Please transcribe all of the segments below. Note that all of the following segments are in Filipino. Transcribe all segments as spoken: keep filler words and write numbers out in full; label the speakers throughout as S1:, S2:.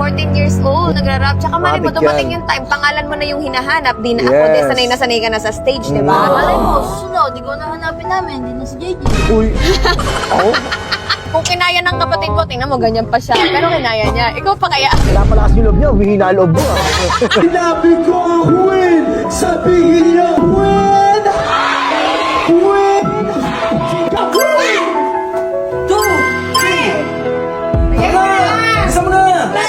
S1: fourteen years old, nagra-rap. Tsaka mali mo,
S2: Matik
S1: dumating
S2: yan.
S1: yung time, pangalan mo na yung hinahanap. Di na ako,
S2: Yes.
S1: di sanay na sanay ka na sa stage, di ba?
S2: Mm.
S3: Malay mo, susunod, di ko na hanapin namin, hindi na si J J.
S2: Uy. Ako?
S1: Kung kinaya ng kapatid mo, tingnan mo, ganyan pa siya. Pero kinaya niya. Ikaw pa kaya?
S2: Wala pala kasi yung loob niya. Humihina ang loob mo. ah.
S4: Sinabi ko ang win! Sabihin niyo win! Win!
S3: Two, three!
S4: Tara! Isa mo na!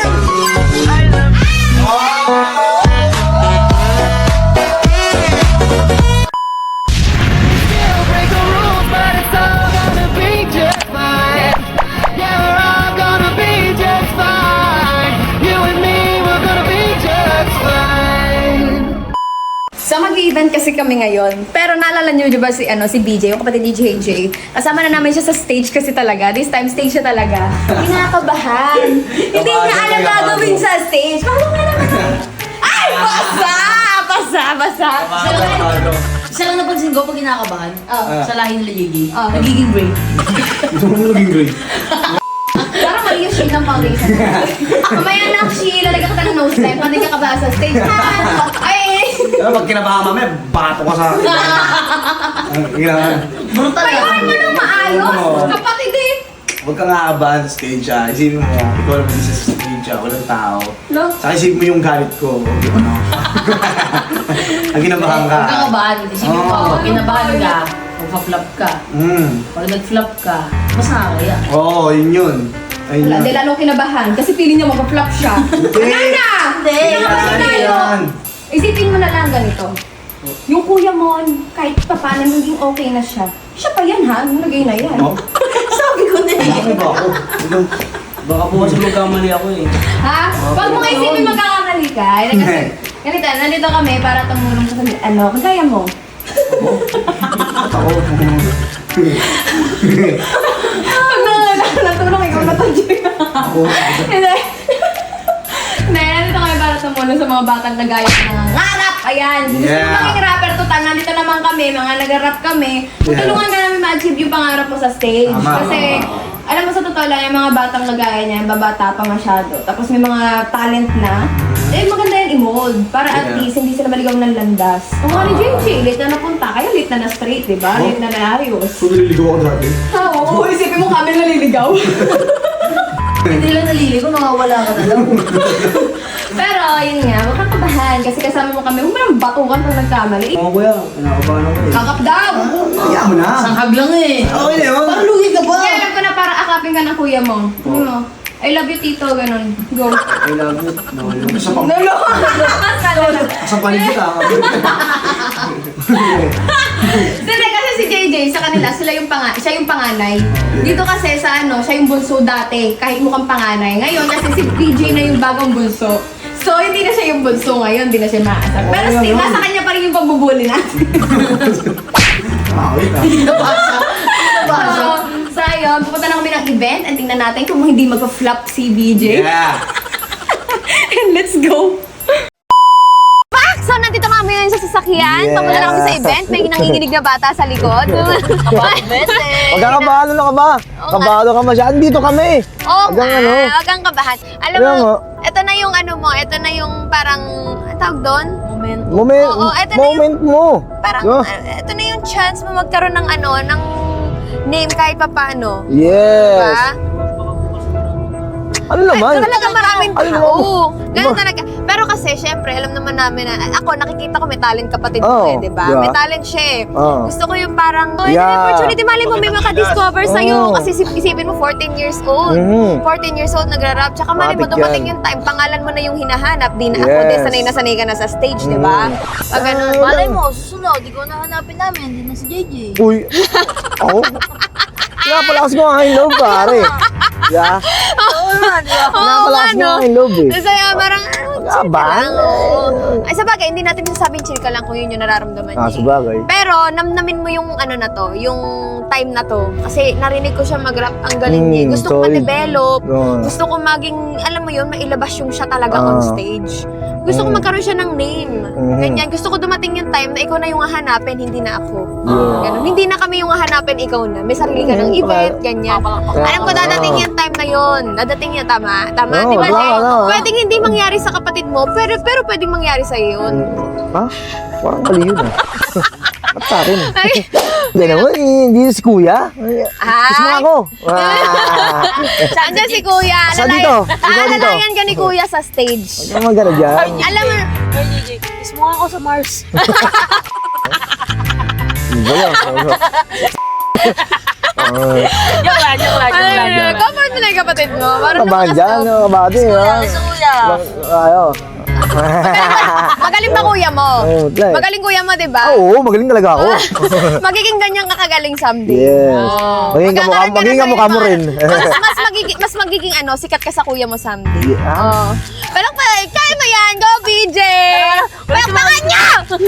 S1: So mag-event kasi kami ngayon. Pero naalala niyo di ba si ano si B J, yung kapatid ni J J. Kasama na namin siya sa stage kasi talaga. This time stage siya talaga. Kinakabahan. Hindi niya alam gagawin sa stage. Paano nga naman? Ay, basa! Basa, basa.
S3: Isa lang napansin ko pag kinakabahan,
S1: Oh.
S3: sa lahi nila J J,
S1: Oh.
S3: nagiging break.
S4: Ito mo naging great.
S1: Parang mali yung shade ng foundation. Mamaya na, Shi, lalagyan kita ng nose line. Pati ka kabahan sa stage. Ha? Ay!
S4: Pero pag kinabahan mami, bato ka sa akin. Ang kailangan.
S3: Brutal
S1: Kaya
S3: ah.
S1: mo nang maayos.
S4: Oo.
S1: Kapatid eh.
S4: Huwag ka nga abahan sa stage ah. Isipin mo, ikaw naman sa stage ah, walang tao.
S1: No?
S4: Saka isipin mo yung galit ko. Yung ano. Ang kinabahan ka.
S3: Huwag kang kabahan. Isipin mo,
S4: Oo.
S3: pag kinabahan ka, magpa-flop ka.
S4: Mm.
S3: Pag nag-flop ka, mas nakakaya.
S4: Oo, yun yun. Ayun
S1: Wala,
S4: yun.
S1: hindi lalong kinabahan kasi feeling niya mag-flop siya. Wala na!
S3: Hindi!
S1: Kinakabahan
S4: Yan,
S1: tayo.
S4: yan.
S1: Isipin mo na lang ganito. Yung kuya mo, kahit pa paano naging okay na siya. Siya pa yan ha, nagay na yan.
S4: No?
S3: Sabi ko na eh.
S4: Bakit ba ako? Ikaw-
S5: Baka po kasi magkamali ako eh.
S1: Ha? Pag mo isipin magkakamali ka, eh, kasi, ganito, nandito kami para tumulong sa ano, magkaya mo.
S4: Ako.
S1: Pag nangangailangan natulong, ikaw na to, Jay.
S4: Ako.
S1: Hindi. Hindi, nandito kami para tumulong sa mga batang nagaya ng mga ngarap. Ayan, gusto
S4: Yeah.
S1: mo maging rapper total, nandito naman kami, mga nag-rap kami. Tutulungan ka namin ma-achieve yung pangarap mo sa stage.
S4: Tama.
S1: Kasi, alam mo sa totoo lang, yung mga batang nagaya niya, yung babata pa masyado. Tapos may mga talent na, eh maganda yan i-mold. Para at
S4: Yeah.
S1: least, hindi sila maligaw ng landas. Kung nga ni J J, late na napunta, kaya late na na straight, di ba?
S4: Oh.
S1: Late na naayos.
S4: So, nililigaw ako dati.
S1: Ah, Oo, isipin mo kami naliligaw.
S3: Hindi lang naliligo, mawawala ka na lang.
S1: Pero, yun nga, huwag kang kabahan kasi kasama mo kami. Huwag mo nang batukan pag nagkamali.
S5: Mga kuya, kinakabahan ako eh.
S1: Kakap daw!
S4: Kaya mo na.
S3: Sanghag lang eh.
S4: Okay na yun.
S3: Parang lugi ka ba?
S1: Kaya alam ko na para akapin ka ng kuya mo. Ano mo? I love you, tito, ganun. Go.
S5: I love you. No, no.
S4: Sa pang...
S1: Lolo! Kala na.
S4: Sa paligid ah.
S1: Hindi, kasi si J J, sa kanila, sila yung panga siya yung panganay. Dito kasi sa ano, siya yung bunso dati, kahit mukhang panganay. Ngayon, kasi si P J na yung bagong bunso. So, hindi na siya yung bunso ngayon, hindi na siya maasar. Pero still, nasa kanya pa rin yung pambubuli natin.
S4: Ah, wait ah.
S3: Nabasa. Nabasa.
S1: So, so ayun, pupunta na kami ng event and tingnan natin kung hindi magpa-flop si B J.
S4: Yeah.
S1: And let's go! Pak! So, nandito na kami ngayon sa sasakyan.
S2: Yeah.
S1: Papunta na kami sa event. May nanginginig na bata sa likod.
S2: Huwag kang kabahan, ano ka ba? Kabado ka masyadon. Dito kami.
S1: Oo
S2: Hanggang
S1: nga,
S2: ano?
S1: huwag kang kabahan. Alam
S2: Kaya
S1: mo,
S2: nga.
S1: ito na yung ano mo, ito na yung parang, ang tawag doon?
S3: Moment.
S2: Moment,
S1: Oo, eto na
S2: moment mo.
S1: Parang,
S2: Diba?
S1: uh, ito na yung chance mo magkaroon ng ano, ng name kahit pa paano.
S2: Yes.
S1: Diba?
S2: Ano naman?
S1: Ay, talaga maraming
S2: Ano
S1: tao.
S2: naman?
S1: Ganun
S2: Diba?
S1: talaga. Pero kasi, syempre, alam naman namin na, ako, nakikita ko may talent kapatid
S2: Oo,
S1: ko eh, di ba?
S2: diba?
S1: May talent siya eh.
S2: Oo.
S1: Gusto ko yung parang, oh,
S2: Yeah.
S1: yeah. opportunity, mali mo, may makadiscover sa'yo.
S2: Oo.
S1: Kasi isip- isipin mo, fourteen years old.
S2: Mhm.
S1: fourteen years old, nagra-rap. Tsaka mali mo,
S2: Matik
S1: dumating
S2: yan.
S1: yung time, pangalan mo na yung hinahanap. Di na ako,
S2: Yes.
S1: di sanay na sanay ka na sa stage, di ba? Pag ganun,
S3: Malay mo, susunod, di ko na hanapin namin, hindi na si J J.
S2: Uy. Ako? Kaya pala kasi ko ang love, pare. Yeah.
S3: Oo nga, di ba?
S2: Kaya
S1: Oo
S2: pala
S1: nga,
S2: kasi
S1: no?
S2: ko ang love eh.
S1: Kasi ah, parang, ah, chill ka
S2: Kabahan?
S1: lang, oo. Ay, sa bagay, hindi natin masasabing chill ka lang kung yun yung nararamdaman
S2: Ah,
S1: niya. eh.
S2: sabagay.
S1: Pero, namnamin mo yung ano na to, yung time na to. Kasi narinig ko siya mag-rap, ang galing niya.
S2: Mm,
S1: Gusto ko
S2: solid.
S1: ma-develop.
S2: Oo.
S1: Gusto ko maging, alam mo yun, mailabas yung siya talaga
S2: Ah.
S1: on stage. Gusto ko
S2: Mm.
S1: magkaroon siya ng name.
S2: Mhm.
S1: Ganyan. Gusto ko dumating yung time na ikaw na yung hahanapin, hindi na ako.
S2: Yeah.
S1: Ganun. Hindi na kami yung hahanapin, ikaw na. May sarili ka ng
S2: Mm,
S1: event,
S2: pala.
S1: ganyan.
S2: Ah,
S1: Alam ko dadating
S2: oo.
S1: yung time na yun. Dadating yun, tama? Tama,
S2: Oo,
S1: di ba?
S2: wala,
S1: Jay?
S2: wala.
S1: Pwedeng hindi mangyari sa kapatid mo, pero pero pwedeng mangyari sa yun.
S2: Ha? Parang mali yun ah. Ba't sa akin?
S1: Ay,
S2: Hindi naman, eh, hindi si kuya. Kiss mo
S1: Ay.
S2: ako. Ah.
S1: Andiyan si Kuya.
S2: Saan
S1: Alalayan-
S2: dito? Ikaw dito.
S1: Alalayan ka ni Kuya sa stage.
S2: Huwag naman gano'n dyan.
S1: Alam mo,
S3: Ay, J J, kiss mo nga ako sa Mars.
S2: Hindi ba? Ah,
S3: Joke lang, joke lang, joke lang.
S1: ay, comfort mo na yung kapatid mo. Parang
S2: Kabahan dyan,
S1: naman
S2: yung kabady. ha?
S3: Kiss mo, kuya.
S2: Ayo.
S1: Magaling ba kuya mo?
S2: Oo, try.
S1: Magaling kuya mo, di ba?
S2: Oo, magaling talaga ako.
S1: Magiging ganyan ka kagaling someday.
S2: Yes. Magiging kamukha,
S1: Magkakaroon ka na
S2: magiging
S1: sa
S2: kamukha mo
S1: ibang-
S2: rin.
S1: mas, mas, magiging, mas magiging ano, sikat ka sa kuya mo someday.
S2: Yeah.
S1: Oh. Pero pa, kaya mo yan. Go, B J! Palakpakan niya!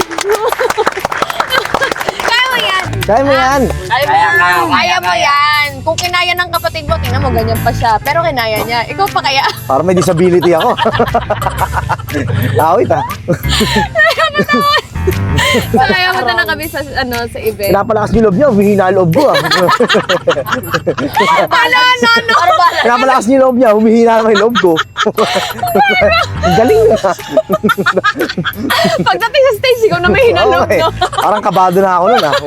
S1: Kaya mo yan.
S2: Kaya mo yan.
S3: Ay, mo.
S1: Kaya mo yan. Kung kinaya ng kapatid mo, tingnan mo, ganyan pa siya. Pero kinaya niya. Ikaw pa kaya?
S2: Para may disability ako. Awit ah.
S1: So, kaya mo na kami sa, ano, sa event.
S2: Pinapalakas niyo loob niyo, humihina ang loob ko ah.
S1: Ano, ano, ano?
S2: Pinapalakas niyo loob niya, humihina naman yung loob ko. Ang galing ah.
S1: Pagdating sa stage, ikaw na may hinalog,
S2: Oo, eh.
S1: no?
S2: Parang kabado na ako nun ah.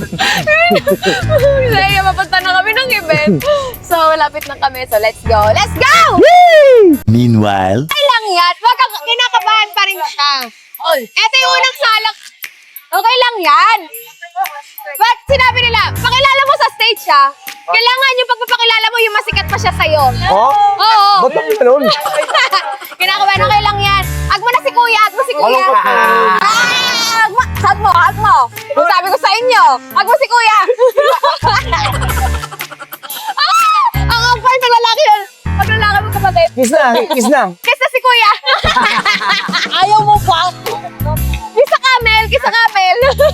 S1: Kaya mapunta na kami ng event. So, lapit na kami. So, let's go. Let's go!
S6: Meanwhile,
S1: Okay lang yan. Wag kang kinakabahan pa rin siya.
S3: Oy.
S1: Ito yung unang salak. Okay lang yan. But sinabi nila, pakilala mo sa stage ha. Kailangan yung pagpapakilala mo, yung masikat pa siya sa'yo.
S2: Oh?
S1: Oo.
S2: Ba't naman ganun?
S1: Kinakabahan, okay lang yan. Hag mo na si kuya, hag mo si kuya.
S2: Malungkot na.
S1: Ah, hag mo, hag mo, hag mo. Kung sabi ko sa inyo, hag mo si kuya. Ah, ang ampar ng lalaki yun. Pag lalaki mo kapatid.
S2: Kiss na, kiss na.
S1: Kiss na si kuya.
S3: Ayaw mo pa?
S1: Kiss sa camel, kiss sa camel.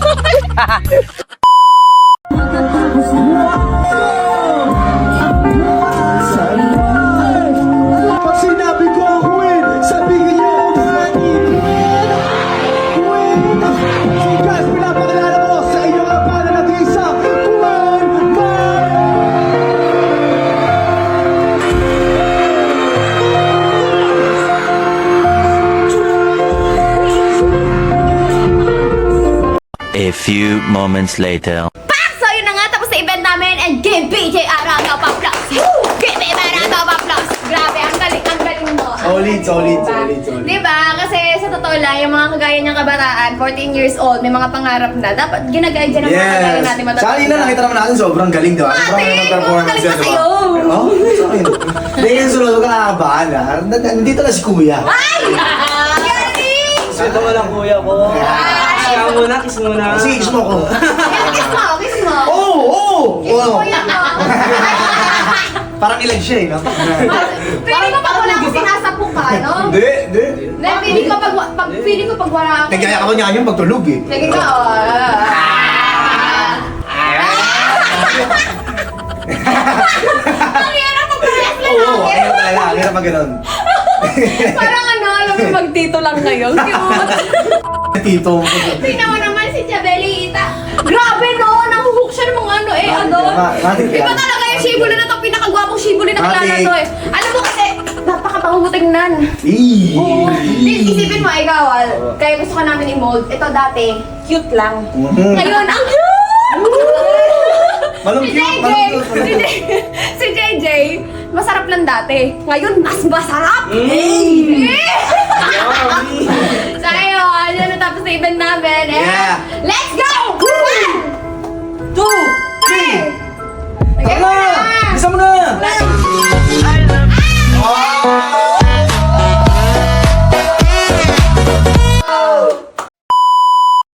S7: Pag sinabi ko ang queen, sabihin niyo ang queen. Queen. So guys, pinapakilala ko sa inyo ang pangalan ng isa, Queen
S6: a few moments later.
S1: So yun na nga, tapos sa event namin and give B J Aranga pa plus. Give B J Aranga pa plus. Grabe, ang galing, ang galing mo. Ang
S7: Solid,
S1: galing
S7: solid,
S1: mo,
S7: solid,
S1: diba?
S7: solid.
S1: Diba? Kasi sa totoo lang, yung mga kagaya niyang kabataan, fourteen years old, may mga pangarap na. Dapat ginagaya dyan ang mga kagaya natin
S7: Yes.
S1: matatanda.
S7: Sa kanina nakita naman natin sobrang galing, di ba?
S1: Ate,
S7: Sobrang galing ng performance
S1: magaling
S7: yan,
S1: pa
S7: di ba?
S1: sa'yo.
S7: Oo, sa akin. Hindi yung sunod, huwag ka nakakabahan ha. Nandito na si Kuya.
S1: Ay! Galing!
S5: Ito mo lang, kuya ko. Kiss ka muna, kiss muna.
S7: Sige, kiss mo ako.
S1: Kiss mo, kiss mo.
S7: Oo, oo!
S1: Kiss
S7: Oo.
S1: mo yan, no?
S7: Parang ilag siya eh, no?
S1: Feeling ko pag wala ko sinasapo ka, no?
S7: Hindi, hindi.
S1: Hindi, feeling ko pag, wa- pag, feeling ko pag wala ako.
S7: Nagkaya ka ba niya kanyang pagtulog eh?
S1: Sige ka, oh. Ang hirap mo parehas lang
S7: Oo,
S1: namin.
S7: ayun talaga. Ang hirap pag ganun.
S1: Parang ano, alam mo, magtito lang ngayon. Cute.
S7: Tito.
S1: Tingnan mo naman si Chabeli Ita. Grabe no, nahuhook siya ng mga ano eh, ano.
S7: Matik
S1: Iba
S7: yan.
S1: talaga yung shibuli na to, pinakagwapong shibuli na kilala
S7: Matik.
S1: to eh. Alam mo kasi, napakabango tingnan.
S7: Eee.
S1: Oo. Di- Isipin mo, ikaw, ah, kaya gusto ka namin i-mold. Ito dati, cute lang.
S7: Mhm.
S1: Ngayon, ang cute!
S7: Malong
S1: Si
S7: cute,
S1: J J,
S7: malong cute,
S1: si J si J J, masarap lang dati. Ngayon, mas masarap! Eh! So, ayun, yun na tapos na event namin. Eh,
S7: Yeah.
S1: let's go! One, two, three,